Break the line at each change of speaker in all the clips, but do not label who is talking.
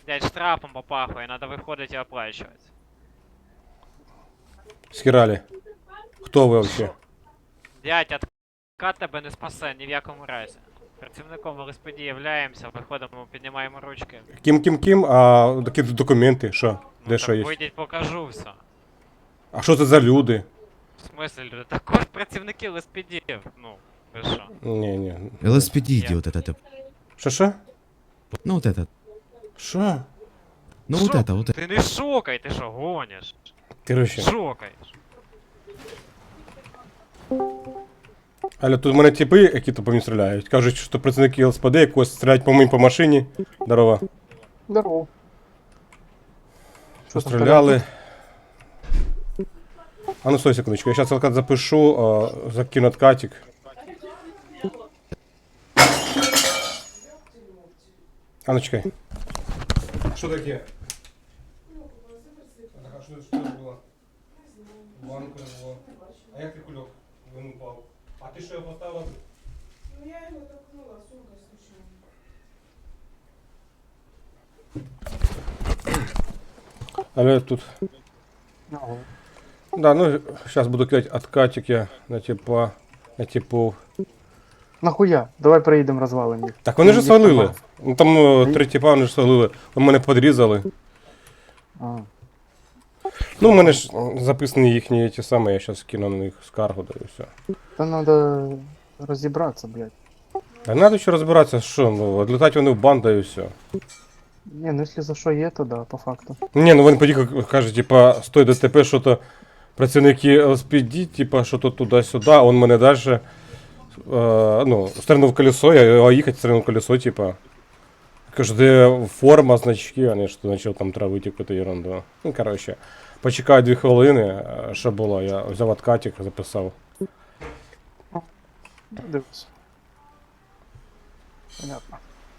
Дядь, штрафом попахує, надо виходити і оплачувати.
Схерали. Хто ви вообще?
Дядь, откат тебе не спасе ні в якому разі. Працівником ЛСПД являємося, виходимо, піднімаємо ручки.
Ким, а такі документи, що?
Ну
Де що
так
є?
вийдіть, покажу все.
А що це за люди?
В смислі, люди? Також працівники ЛСПД. Ну, ви що?
Ні.
LSPD вот это.
Що?
Ну вот это.
Що?
Ну вот
Шо?
это, вот это.
Ти не шокай, ти що, гониш?
Короче.
Шокаєш.
Але тут в мене типи, які по мені стріляють. Кажуть, що працівники ЛСПД якось стріляють по мені по машині. Здорово.
Здорово. Що там
Постріляли. А ну стой секундочку, я сейчас откат запишу, закину откатик. А ну чекай. Що таке? А що це було? Банку було. А як ти кульок? Він упав. А ти що його поставив?
Ну я его толкнула, сумка случайно.
Але тут.
Ага.
Да, ну сейчас буду кидати откатик я на типа. На типу.
Нахуя? Давай приїдемо розвалимо їх.
Так вони ж
Їх
свалили.
там-
Ну там три типа вони ж свалили. Вони мене подрізали.
А.
Ну, у мене ж записані їхні ті самі, я зараз кину на них скаргу, да і все.
Та надо розібратися, блядь.
А треба ще розбиратися, що, ну, відлітати вони в банду і все.
Ні, ну якщо за що є, то да, по факту.
Ні, ну він поїхав, каже, типа, стой ДТП, що то працівники ЛСПД, типа, що то туди-сюди, а він мене далі, ну, стрельнув колесо, я їхати стрельнув колесо, типа. Кажу, де форма, значки, а не що почав там травити якусь ерунду. Ну, коротше, почекаю 2 хвилини, що було, я взяв откатик, записав.
Дивись. Понятно.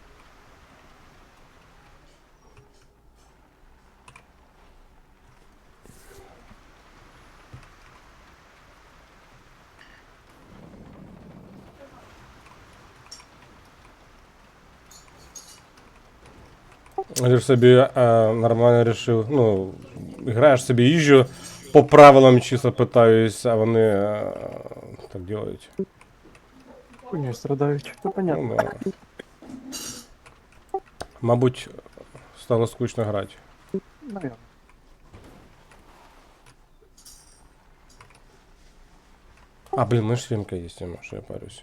Я ж собі нормально рішив, ну, граєш собі їжджу, по правилам чисто питаюсь, а вони так делають.
Хуйню страдають. Ну понятно.
Ну, да. Мабуть, стало скучно грати.
Наверно.
А, блин, у мене ж сімка є, Тіма, що я парюсь.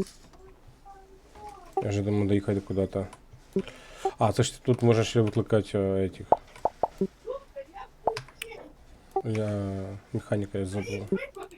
Я же думаю доїхати куди-то. А, це ж тут можна ще викликати этих. Я механіка я забув.